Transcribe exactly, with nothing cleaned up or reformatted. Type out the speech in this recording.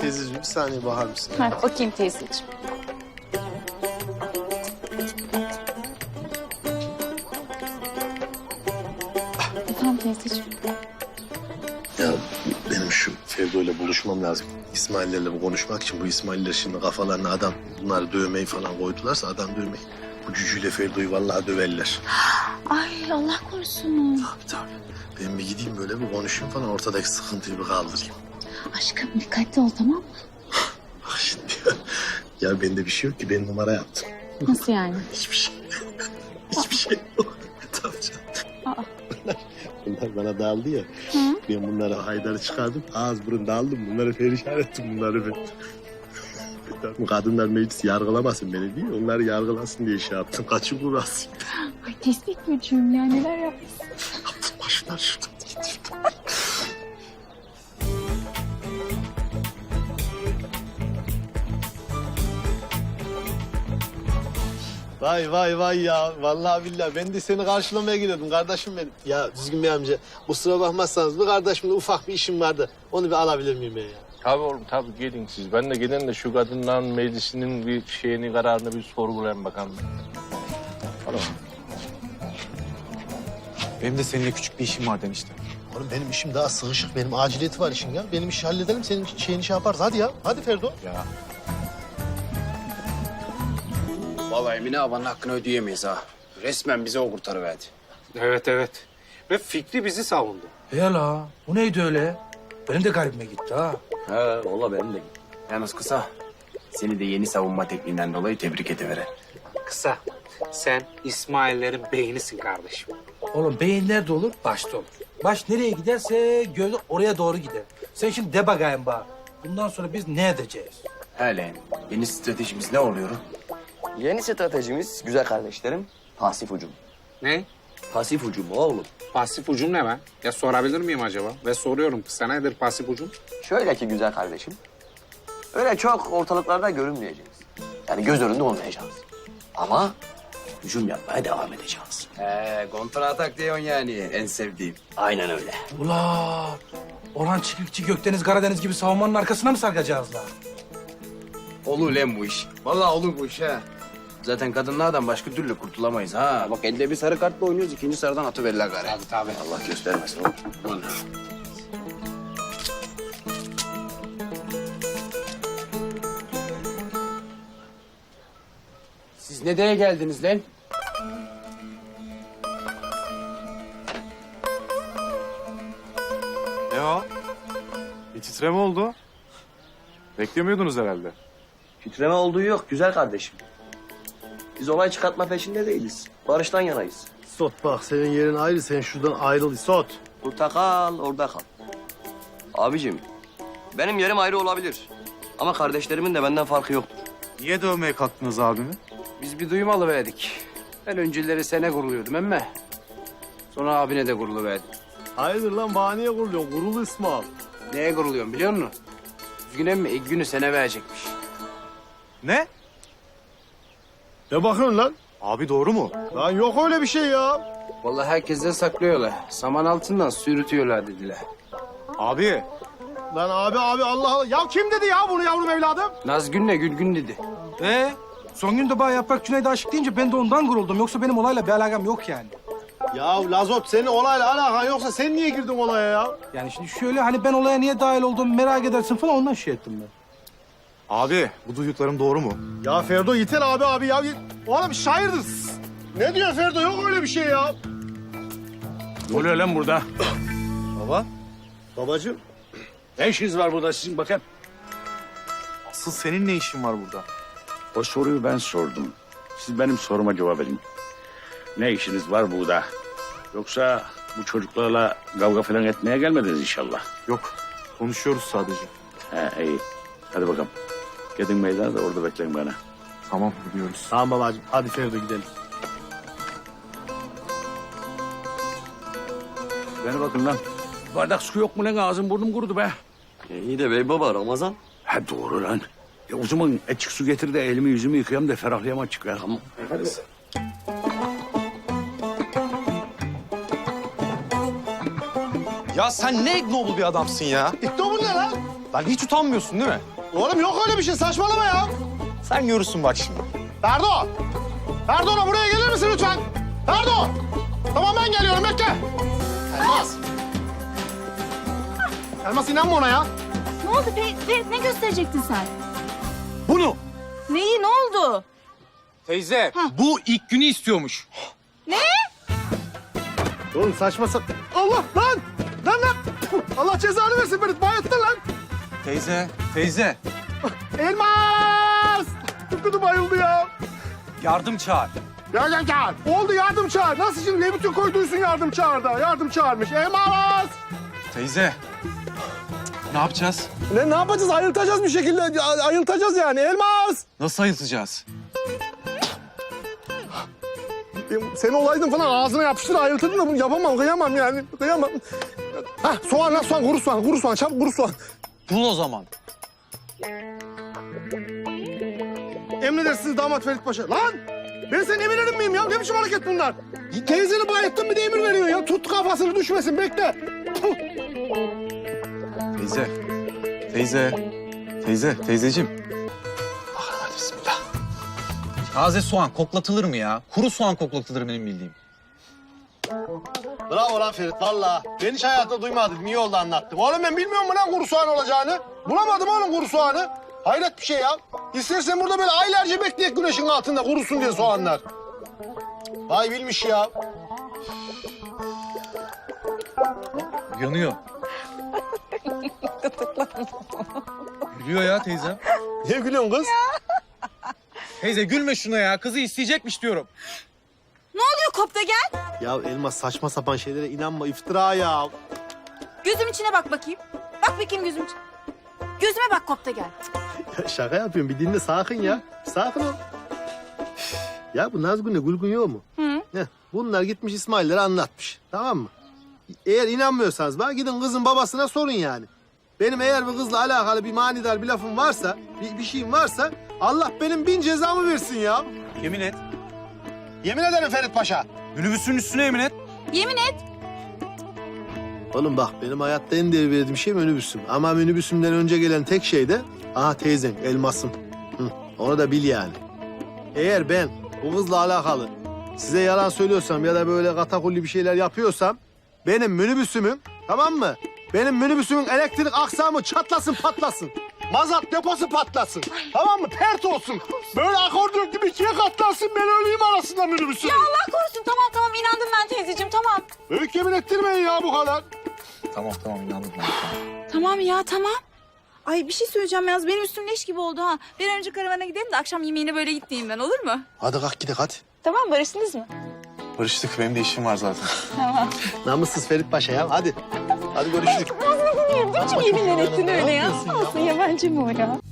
teyzeciğim bir saniye bakar mısın? Ha, bakayım teyzeciğim. Efendim teyzeciğim. Ya benim şu Ferdo ile buluşmam lazım. İsmail'lerle bu konuşmak için bu İsmail'ler şimdi kafalarına adam bunları dövmeyi falan koydularsa adam dövmeyi. Bu cücüyle Ferdo'yu vallahi döverler. Ay Allah korusun. Tabii tabii. Ben bir gideyim böyle bir konuşayım falan ortadaki sıkıntıyı bir kaldırayım. Aşkım dikkatli ol tamam mı? Bak şimdi ya, ya bende bir şey yok ki ben numara yaptım. Nasıl yani? Hiçbir şey. Hiçbir şey yok. Tabii canım. Aa. Bunlar, bunlar bana dağıldı ya. Hı? Ben bunları Haydar'ı çıkardım. Ağız burun dağıldım. Bunları perişan ettim bunları ben. Bu kadınlar meclisi yargılamasın beni değil mi? Onları yargılasın diye şey yaptım. Kaçı kurasın. Ay tespih gücüm ya neler yapmışsın. Yaptım başlar şuradan. Vay vay vay ya. Vallahi billahi ben de seni karşılamaya geliyordum kardeşim benim. Ya Düzgün Bey amca kusura bakmazsanız bir kardeşimle ufak bir işim vardı. Onu bir alabilir miyim ben ya? Tabii oğlum tabii gelin siz. Ben de gelin de şu kadınların meclisinin bir şeyini kararını bir sorgulayayım bakalım. Tamam. Benim de seninle küçük bir işim var demiştim. Oğlum benim işim daha sığışık. Benim aciliyeti var işin ya. Benim işi halledelim. Senin şeyini şey yaparız. Hadi ya. Hadi Ferdo. Ya Vallahi Emine abanın hakkını ödeyemeyiz ha. Resmen bize o kurtarıverdi. Evet evet. Ve Fikri bizi savundu. He la, bu neydi öyle? Benim de garibime gitti ha. He valla benim de. Yalnız kısa, seni de yeni savunma tekniğinden dolayı tebrik ediveren. Kısa. Sen İsmail'lerin beynisin kardeşim. Oğlum beyin nerede olur? Başta olur. Baş nereye giderse göz oraya doğru gider. Sen şimdi de bakayım bana. Bundan sonra biz ne edeceğiz? Hele yeni stratejimiz ne oluyor? Yeni stratejimiz güzel kardeşlerim, pasif hücum. Ne? Pasif hücum oğlum. Pasif ucum ne be? Ya sorabilir miyim acaba? Ve soruyorum kısa nedir pasif ucum? Şöyle ki güzel kardeşim, öyle çok ortalıklarda görünmeyeceğiz. Yani göz önünde olmayacağız. Ama hücum yapmaya devam edeceğiz. He kontra atak diyorsun yani en sevdiğim. Aynen öyle. Ula, Orhan Çiftlikçi Gökdeniz Karadeniz gibi savunmanın arkasına mı sarkacağız la? Olur lan bu iş. Vallahi olur bu iş ha. Zaten kadınlardan başka türlü kurtulamayız ha. Bak elde bir sarı kartla oynuyoruz, ikinci sarıdan atıverirler gari. Tabii tabii. Allah göstermesin oğlum. Aman. Siz ne diye geldiniz lan? ne o? Bir titreme oldu. Beklemiyordunuz herhalde. Titreme olduğu yok güzel kardeşim. Biz olay çıkartma peşinde değiliz. Barıştan yanayız. Sot bak senin yerin ayrı. Sen şuradan ayrıl Sot. Burada kal, orada kal. Abicim, benim yerim ayrı olabilir. Ama kardeşlerimin de benden farkı yoktur. Niye dövmeye kalktınız abimi? Biz bir duyum alıverdik. Ben önceleri sene kuruluyordum emme. Sonra abine de kuruluverdim. Hayırdır lan bahaneye kuruluyorsun. Kurulu İsmail. Neye kuruluyorum biliyor musun? Düzgün emmi ilk günü sene verecekmiş. Ne? Ne bakıyorsun lan? Abi doğru mu? Lan yok öyle bir şey ya. Vallahi herkesten saklıyorlar. Saman altından sürütüyorlar dediler. Abi. Lan abi abi Allah Allah. Ya kim dedi ya bunu yavrum evladım? Nazgün'le Gülgün dedi. Ee, son gün de bana Yaprak Cüneyt'e aşık deyince ben de ondan guruldum. Yoksa benim olayla bir alakam yok yani. Ya Lazot senin olayla alakan yoksa sen niye girdin olaya ya? Yani şimdi şöyle hani ben olaya niye dahil olduğumu merak edersin falan ondan şey ettim ben. Abi bu duyduklarım doğru mu? Ya Ferdo yeter abi abi ya. Oğlum şairdir. Ne diyor Ferdo? Yok öyle bir şey ya. Ne oluyor lan burada? Baba. Babacığım. Ne işiniz var burada sizin bakın? Asıl senin ne işin var burada? O soruyu ben sordum. Siz benim soruma cevap verin. Ne işiniz var burada? Yoksa bu çocuklarla kavga falan etmeye gelmediniz inşallah. Yok. Konuşuyoruz sadece. He iyi. Hadi bakalım. Gidin meydana da orada bekleyin bana. Tamam gidiyoruz. Tamam babacığım. Hadi Ferdo gidelim. Bana bakın lan. Bardak su yok mu lan? Ağzım burnum kurudu be. E, iyi de bey baba Ramazan. Ha doğru lan. Ya o zaman açık su getir de elimi yüzümü yıkayayım da ferahlayayım açık ya. Tamam. Hadi. Ya sen ne ignoble bir adamsın ya. İkna bu ne lan? Lan hiç utanmıyorsun değil mi? Oğlum yok öyle bir şey, saçmalama ya. Sen görürsün bak şimdi. Ferdo! Ferdo buraya gelir misin lütfen? Ferdo! Tamam ben geliyorum, bekle. Elmas. Elmas inanma ona ya. Ne oldu Ferit? Ferit ne gösterecektin sen? Bunu. Neyi, ne oldu? Teyze bu ilk günü istiyormuş. Oğlum saçma sa... Allah lan! Lan lan! Allah cezanı versin beni, bayılttın lan. Teyze, teyze. Elmas! Tıpkıdı bayıldı ya. Yardım çağır. Ya gel gel. Oldu, yardım çağır. Nasıl şimdi? Ne bütün koyduysun yardım çağır da. Yardım çağırmış. Elmas! Teyze. Ne yapacağız? Ne, ne yapacağız? Ayıltacağız bir şekilde. Ayıltacağız yani. Elmas! Nasıl ayıltacağız? Sen olaydın falan ağzına yapıştır, ayıltırdın da bunu yapamam, kıyamam yani. Kıyamam. Hah, soğan lan, soğan, kuru soğan, kuru soğan, çabuk kuru soğan. Bul o zaman. Emredersiniz damat Ferit Paşa. Lan! Ben senin emirlerin miyim ya? Ne biçim hareket bunlar? Teyzeni bayettin bir de emir veriyor ya. Tut kafasını düşmesin, bekle. Puh. Teyze. Teyze. Teyze, teyzeciğim. Bakalım hadi bismillah. Taze soğan koklatılır mı ya? Kuru soğan koklatılır benim bildiğim. Bravo lan Ferit, valla. Ben hiç hayatımda duymadım. Niye oldu anlattım. Oğlum ben bilmiyorum mu lan kuru soğan olacağını? Bulamadım oğlum kuru soğanı. Hayret bir şey ya. İstersen burada böyle aylarca bekleyek güneşin altında kurusun diye soğanlar. Vay bilmiş ya. Yanıyor. Gülüyor ya teyze. Niye gülüyorsun kız? Teyze gülme şuna ya. Kızı isteyecekmiş diyorum. Ne oluyor Kopta gel? Ya Elmas saçma sapan şeylere inanma, iftira ya. Gözüm içine bak bakayım. Bak bakayım gözüm içine. Gözüme bak Kopta gel. Ya şaka yapıyorum, bir dinle, sakin ya. Sakin ol. Ya bu Nazgün'le Gülgün yok mu? Hı. Heh, bunlar gitmiş İsmail'lere anlatmış, tamam mı? Eğer inanmıyorsanız bana gidin kızın babasına sorun yani. Benim eğer bu kızla alakalı bir manidar bir lafım varsa, bir, bir şeyim varsa... Allah benim bin cezamı versin ya. Yemin et. Yemin ederim Ferit Paşa. Minibüsün üstüne yemin et. Yemin et. Oğlum bak benim hayatta en değer verdiğim şey minibüsüm. Ama minibüsümden önce gelen tek şey de... Aha teyzen, elmasım. Hı, onu da bil yani. Eğer ben bu kızla alakalı size yalan söylüyorsam ya da böyle katakulli bir şeyler yapıyorsam... Benim minibüsümün, tamam mı? Benim minibüsümün elektrik aksamı çatlasın patlasın. Mazot deposu patlasın. Tamam mı? Pert olsun. Böyle akordeon gibi ikiye katlansın. Ben öleyim arasında minibüsün. Ya Allah korusun, tamam tamam inandım ben teyzeciğim, tamam. Büyük yemin ettirmeyin ya bu kadar. Tamam tamam inandım ben. Tamam. Tamam ya, tamam. Ay bir şey söyleyeceğim yalnız, benim üstüm leş gibi oldu ha. Bir an önce karavana gidelim de akşam yemeğine böyle gitmeyeyim ben, olur mu? Hadi kalk gidelim hadi. Tamam, barıştınız mı? Barıştık. Benim de işim var zaten. Tamam. Namussuz Ferit Paşa ya hadi. Hadi görüşürüz. Ne biçim yeminler ettin öyle ya? Olsun yabancı mı o ya?